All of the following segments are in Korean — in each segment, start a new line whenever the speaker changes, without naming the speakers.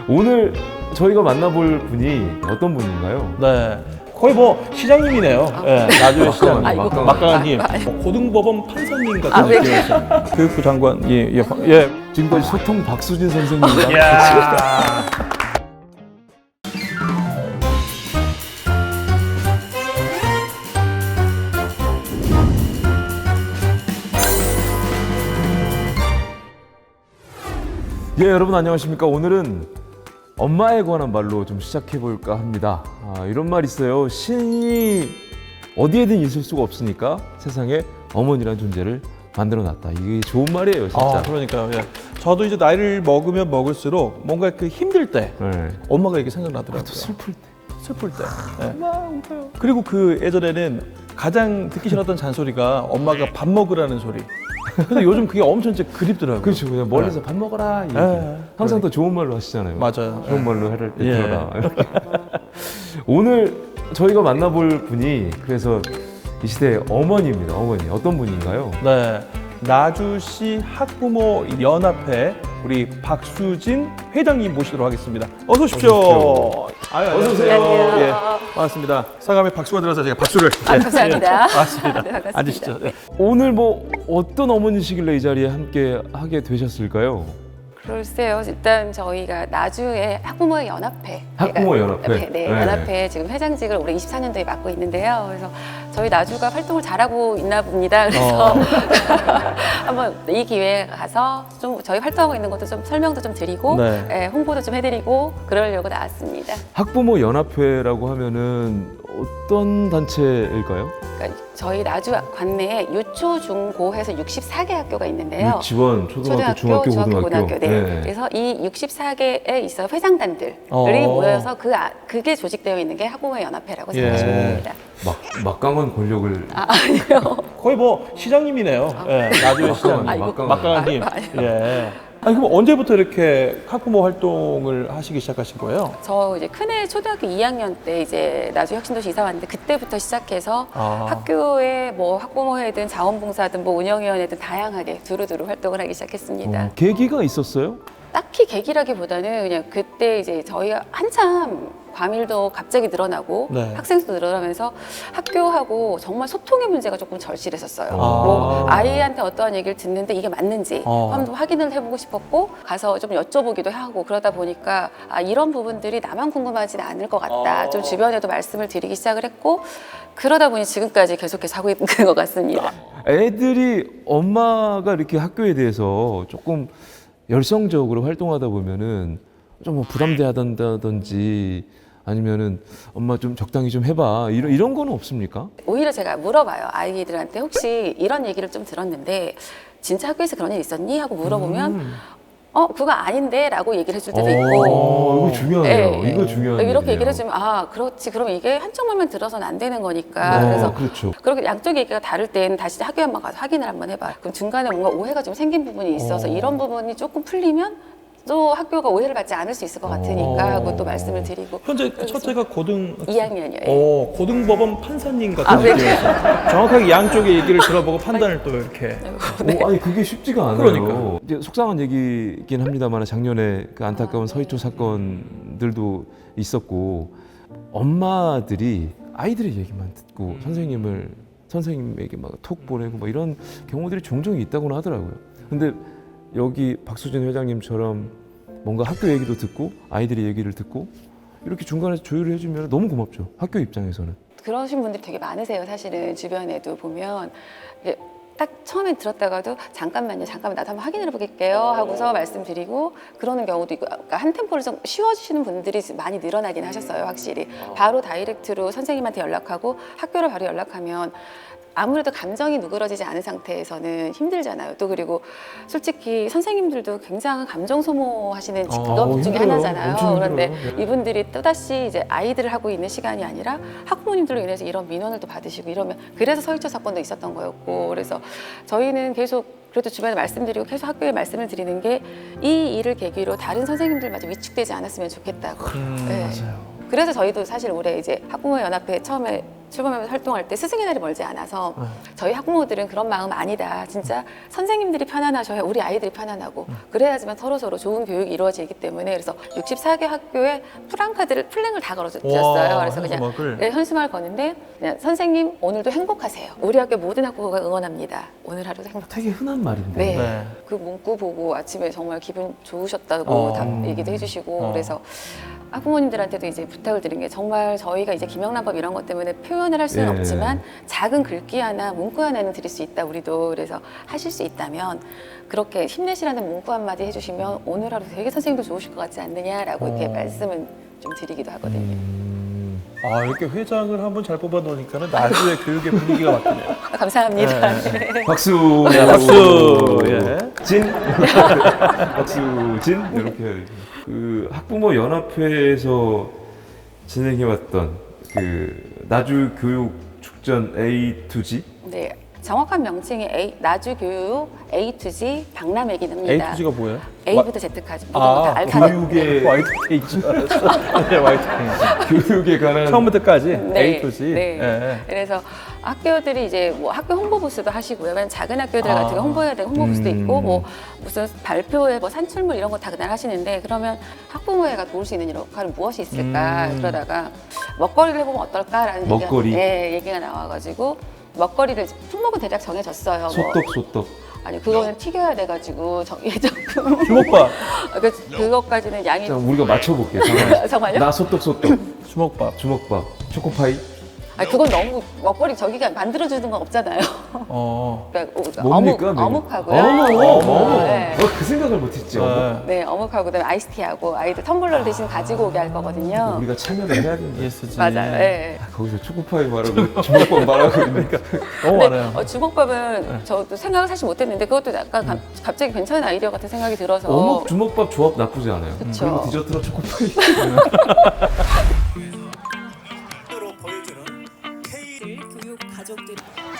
오늘 저희가 만나볼 분이 어떤 분인가요?
네, 거의 뭐 시장님이네요. 네, 나주의 시장님, 막강한님, 고등법원 판사님 같은 느낌이었어요. 교육부 장관, 예.
지금까지 소통 박수진 선생님과
이야.
예, 여러분 안녕하십니까? 오늘은 엄마에 관한 말로 좀 시작해 볼까 합니다. 이런 말 있어요. 신이 어디에든 있을 수가 없으니까 세상에 어머니란 존재를 만들어 놨다. 이게 좋은 말이에요, 진짜.
그러니까요. 예. 저도 이제 나이를 먹으면 먹을수록 뭔가 그 힘들 때
네.
엄마가 이게 생각나더라고요.
슬플 때.
슬플 때. 예. 그리고 그 예전에는 가장 듣기 싫었던 잔소리가 엄마가 밥 먹으라는 소리. 근데 요즘 그게 엄청 진짜 그립더라고요.
그렇죠. 그냥 멀리서 밥 먹어라. 이렇게. 항상 또 좋은 말로 하시잖아요.
맞아요.
좋은 말로 해를 들어라. 오늘 저희가 만나볼 분이 그래서 이 시대의 어머니입니다. 어머니. 어떤 분인가요?
네. 나주시 학부모 연합회 우리 박수진 회장님 모시도록 하겠습니다. 어서 오십시오.
어서 오세요.
안녕하세요.
예, 반갑습니다. 상암에 박수가 들어서 제가 박수를.
감사합니다.
반갑습니다.
네, 반갑습니다.
앉으시죠. 네.
오늘 뭐 어떤 어머니시길래 이 자리에 함께 하게 되셨을까요?
글쎄요. 일단 저희가 나주의 학부모 연합회.
학부모 연합회.
네, 연합회 지금 회장직을 올해 24년도에 맡고 있는데요. 그래서 저희 나주가 활동을 잘하고 있나 봅니다. 그래서 한번 이 기회에 가서 좀 저희 활동하고 있는 것도 좀 설명도 좀 드리고
네.
홍보도 좀 해드리고 그러려고 나왔습니다.
학부모 연합회라고 하면은 어떤 단체일까요?
그러니까 저희 나주 관내에 유초, 중, 고 해서 64개 학교가 있는데요.
유치원, 초등학교, 중학교, 고등학교.
네. 그래서 이 64개에 있어 회장단들이 모여서 그게 조직되어 있는 게 학부모 연합회라고 생각하시면 됩니다.
막강한 권력을
아니요.
거의 뭐 시장님이네요. 예, 나주의 시장님. 막강한님. 예. 아니 그럼 언제부터 이렇게 학부모 활동을 하시기 시작하신 거예요?
저 이제 큰애 초등학교 2학년 때 이제 나주 혁신도시 이사 왔는데 그때부터 시작해서 학교에 뭐 학부모회든 자원봉사든 뭐 운영위원회든 다양하게 두루두루 활동을 하기 시작했습니다.
계기가 있었어요?
딱히 계기라기보다는 그냥 그때 이제 저희가 한참 과밀도 갑자기 늘어나고 학생 수도 늘어나면서 학교하고 정말 소통의 문제가 조금 절실했었어요. 뭐 아이한테 어떠한 얘기를 듣는데 이게 맞는지 한번 확인을 해보고 싶었고 가서 좀 여쭤보기도 하고 그러다 보니까 이런 부분들이 나만 궁금하지는 않을 것 같다. 좀 주변에도 말씀을 드리기 시작을 했고 그러다 보니 지금까지 계속해서 하고 있는 것 같습니다.
애들이 엄마가 이렇게 학교에 대해서 조금 열성적으로 활동하다 보면은 좀 뭐 부담돼하던다든지 아니면은 엄마 좀 적당히 좀 해봐 이런 거는 없습니까?
오히려 제가 물어봐요. 아이들한테 혹시 이런 얘기를 좀 들었는데 진짜 학교에서 그런 일 있었니? 하고 물어보면 그거 아닌데 라고 얘기를 해줄 때도 있고
이거 중요해요.
네,
이거 중요한
이렇게 얘기를
얘기예요.
해주면 그렇지 그럼 이게 한쪽 말만 들어서는 안 되는 거니까 그래서
그렇죠.
그렇게 양쪽 얘기가 다를 때는 다시 학교에 한번 가서 확인을 한번 해봐. 그럼 중간에 뭔가 오해가 좀 생긴 부분이 있어서 이런 부분이 조금 풀리면 또 학교가 오해를 받지 않을 수 있을 것 같으니까 하고 또 말씀을 드리고
현재 첫째가 고등
2학년이에요.
고등법원 판사님 같은 느낌이었어요. 정확하게 양쪽의 얘기를 들어보고 판단을 또 이렇게.
아니 그게 쉽지가 않아요.
그러니까요.
이제 속상한 얘기긴 합니다만 작년에 그 안타까운 서희초 사건들도 있었고 엄마들이 아이들의 얘기만 듣고 선생님에게 막 톡 보내고 막 이런 경우들이 종종 있다고는 하더라고요. 근데 여기 박수진 회장님처럼 뭔가 학교 얘기도 듣고 아이들의 얘기를 듣고 이렇게 중간에서 조율을 해주면 너무 고맙죠. 학교 입장에서는.
그러신 분들이 되게 많으세요. 사실은 주변에도 보면 딱 처음에 들었다가도 잠깐만요 나도 한번 확인을 해볼게요 하고서 말씀드리고 그러는 경우도 있고 그러니까 한 템포를 좀 쉬워주시는 분들이 많이 늘어나긴 하셨어요. 확실히 바로 다이렉트로 선생님한테 연락하고 학교로 바로 연락하면 아무래도 감정이 누그러지지 않은 상태에서는 힘들잖아요. 또 그리고 솔직히 선생님들도 굉장히 감정 소모하시는 직업 중에 하나잖아요. 그런데 이분들이 또다시 이제 아이들을 하고 있는 시간이 아니라 학부모님들로 인해서 이런 민원을 또 받으시고 이러면 그래서 서희초 사건도 있었던 거였고 그래서 저희는 계속 그래도 주변에 말씀드리고 계속 학교에 말씀을 드리는 게 이 일을 계기로 다른 선생님들마저 위축되지 않았으면 좋겠다고. 네.
맞아요.
그래서 저희도 사실 올해 이제 학부모 연합회 처음에 출범하면서 활동할 때 스승의 날이 멀지 않아서 저희 학부모들은 그런 마음 아니다. 진짜 선생님들이 편안하셔야 우리 아이들이 편안하고 그래야지만 서로서로 좋은 교육이 이루어지기 때문에 그래서 64개 학교에 플랭을 다 걸어주셨어요. 그래서 그냥
현수막을.
네, 현수막을 거는데 그냥 선생님 오늘도 행복하세요. 우리 학교 모든 학부모가 응원합니다. 오늘 하루도 행복하세요.
되게 흔한 말인데.
네.
네.
그 문구 보고 아침에 정말 기분 좋으셨다고 다 얘기도 해주시고 그래서 학부모님들한테도 이제 부탁을 드린 게 정말 저희가 이제 김영란법 이런 것 때문에 표현을 할 수는
예.
없지만 작은 글귀 하나 문구 하나는 드릴 수 있다 우리도. 그래서 하실 수 있다면 그렇게 힘내시라는 문구 한마디 해주시면 오늘 하루 되게 선생님도 좋으실 것 같지 않느냐라고 이렇게 말씀은 좀 드리기도 하거든요.
이렇게 회장을 한번 잘 뽑아 놓으니까는 나주의 교육의 분위기가 바뀌네요.
감사합니다. 네.
박수.
네, 박수. 예.
진. 박수. 진. 이렇게 해야 되죠. 그 학부모 연합회에서 진행해왔던 그 나주 교육 축전 A to G.
네. 정확한 명칭이 나주교육 A to G 박람회기입니다.
A to G가 뭐예요?
A부터 Z까지 모든 거다 알파벳.
교육에
화이트 페이지. 네, 화이트 페이지.
교육에 관한
처음부터까지
네,
A to G.
네.
예.
그래서 학교들이 이제 뭐 학교 홍보 부스도 하시고요. 왜냐면 작은 학교들 같은 거 홍보해야 되는 홍보 부스도 있고 뭐 무슨 발표회 뭐 산출물 이런 거 다 그날 하시는데 그러면 학부모회가 도울 수 있는 역할은 무엇이 있을까 그러다가 먹거리를 해보면 어떨까라는
먹거리?
얘기가 나와가지고 먹거리를 품목은 대략 정해졌어요.
소떡.
아니 그거는 튀겨야 돼가지고 예정품
주먹밥.
그것까지는 양이
자, 우리가 맞춰볼게요.
정말요?
나 소떡.
주먹밥.
주먹밥. 초코파이.
아니 그건 너무 먹거리 저기가 만들어주는 건 없잖아요. 그러니까
뭡니까?
어묵하고요.
어묵.
네.
그 생각을 못했지. 어묵.
네, 어묵하고 그다음에 아이스티하고 아이들 텀블러를 대신 가지고 오게 할 거거든요.
우리가 참여를 해야 된다.
ESG.
맞아요. 네.
거기서 초코파이 말하고 주먹밥 말하고 있으니까.
너무
근데
많아요.
주먹밥은 저도 생각을 사실 못했는데 그것도 약간 갑자기 괜찮은 아이디어 같은 생각이 들어서.
어묵 주먹밥 조합 나쁘지 않아요.
그쵸.
그리고 디저트로 초코파이.
교육 가족들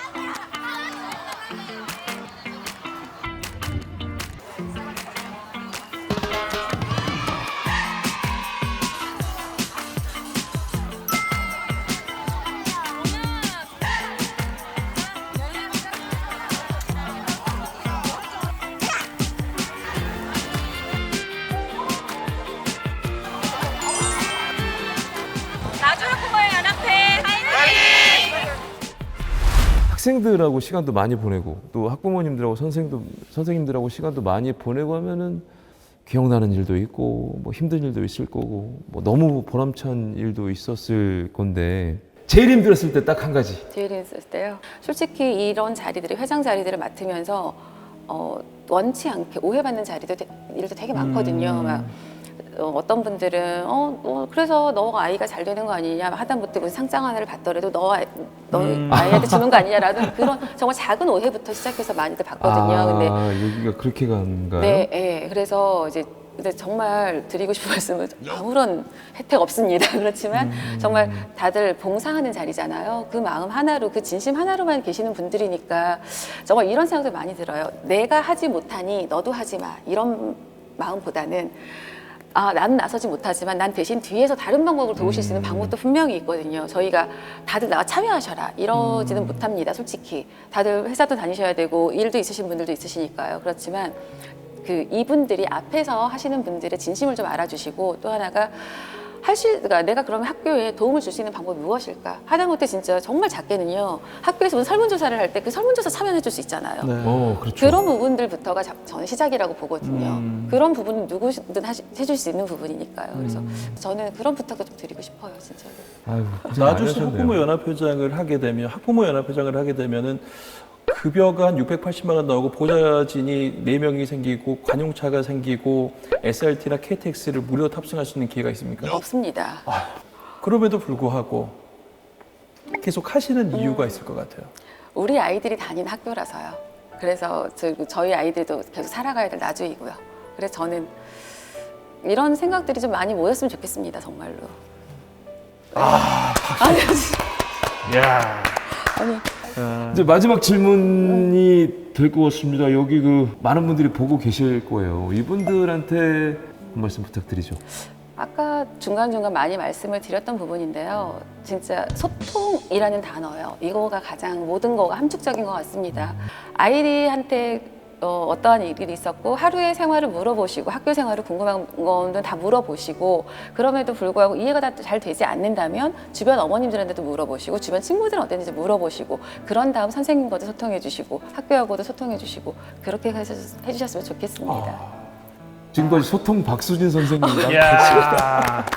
나주 학부모의 연합회 화이팅!
학생들하고 시간도 많이 보내고 또 학부모님들하고 선생님들하고 시간도 많이 보내고 하면은 기억나는 일도 있고 뭐 힘든 일도 있을 거고 뭐 너무 보람찬 일도 있었을 건데 제일 힘들었을 때 딱 한 가지.
제일 했을 때요. 솔직히 이런 자리들이 회장 자리들을 맡으면서 원치 않게 오해받는 일도 되게 많거든요. 막 어떤 분들은 그래서 너 아이가 잘 되는 거 아니냐 하다못해 무슨 상장 하나를 받더라도 너 아이한테 주는 거 아니냐라는 그런 정말 작은 오해부터 시작해서 많이들 받거든요. 근데
여기가 그렇게 간가요?
네, 네. 그래서 이제 근데 정말 드리고 싶은 말씀은 아무런 혜택 없습니다. 그렇지만 정말 다들 봉사하는 자리잖아요. 그 마음 하나로, 그 진심 하나로만 계시는 분들이니까 정말 이런 생각도 많이 들어요. 내가 하지 못하니 너도 하지 마. 이런 마음보다는 나는 나서지 못하지만 난 대신 뒤에서 다른 방법으로 도우실 수 있는 방법도 분명히 있거든요. 저희가 다들 나와 참여하셔라 이러지는 못합니다. 솔직히 다들 회사도 다니셔야 되고 일도 있으신 분들도 있으시니까요. 그렇지만 이분들이 앞에서 하시는 분들의 진심을 좀 알아주시고 또 하나가 그러니까 내가 그러면 학교에 도움을 줄 수 있는 방법이 무엇일까? 하다못해 진짜 정말 작게는요. 학교에서 무슨 설문조사를 할 때 그 설문조사 참여해 줄 수 있잖아요.
네.
그렇죠.
그런 부분들부터가 저는 시작이라고 보거든요. 그런 부분은 누구든 해줄 수 있는 부분이니까요. 그래서 저는 그런 부탁도 좀 드리고 싶어요, 진짜로.
아유, 고생 많이
나주시
하셨네요.
학부모 연합회장을 하게 되면 되면은 급여가 한 680만 원 나오고 보좌진이 4명이 생기고 관용차가 생기고 SRT나 KTX를 무료 탑승할 수 있는 기회가 있습니까?
없습니다.
그럼에도 불구하고 계속 하시는 이유가 있을 것 같아요.
우리 아이들이 다니는 학교라서요. 그래서 저희 아이들도 계속 살아가야 될 나주이고요. 그래서 저는 이런 생각들이 좀 많이 모였으면 좋겠습니다, 정말로. 아니,
이제 마지막 질문이 될 것 같습니다. 여기 많은 분들이 보고 계실 거예요. 이분들한테 한 말씀 부탁드리죠.
아까 중간중간 많이 말씀을 드렸던 부분인데요. 진짜 소통이라는 단어요. 이거가 가장 모든 거가 함축적인 것 같습니다. 아이들한테 어떠한 일이 있었고 하루의 생활을 물어보시고 학교 생활을 궁금한 거는 다 물어보시고 그럼에도 불구하고 이해가 다 잘 되지 않는다면 주변 어머님들한테도 물어보시고 주변 친구들은 어땠는지 물어보시고 그런 다음 선생님과도 소통해 주시고 학교하고도 소통해 주시고 그렇게 해주셨으면 좋겠습니다.
지금까지 소통 박수진 선생님과
이야.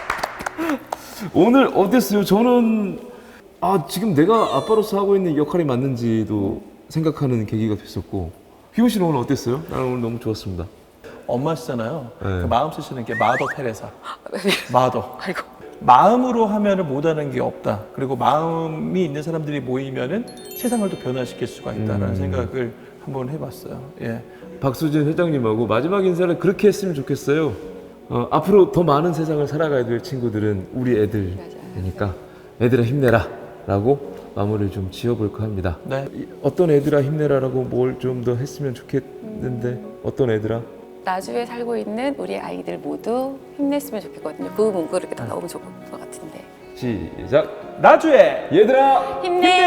오늘 어땠어요? 저는 지금 내가 아빠로서 하고 있는 역할이 맞는지도 생각하는 계기가 됐었고 희원 씨는 오늘 어땠어요? 나는 오늘 너무 좋았습니다.
엄마시잖아요.
네.
그 마음 쓰시는 게 마더 테레사. 마더.
아이고.
마음으로 하면은 못하는 게 없다. 그리고 마음이 있는 사람들이 모이면은 세상을 또 변화시킬 수가 있다라는 생각을 한번 해봤어요. 예.
박수진 회장님하고 마지막 인사를 그렇게 했으면 좋겠어요. 앞으로 더 많은 세상을 살아가야 될 친구들은 우리 애들이니까 애들아 힘내라 라고 마무리를 좀 지어볼까 합니다.
네.
어떤 애들아 힘내라라고 뭘 좀 더 했으면 좋겠는데 어떤 애들아?
나주에 살고 있는 우리 아이들 모두 힘냈으면 좋겠거든요. 그 문구를 이렇게 다 넣으면 좋을 것 같은데.
시작!
나주에
얘들아
힘내!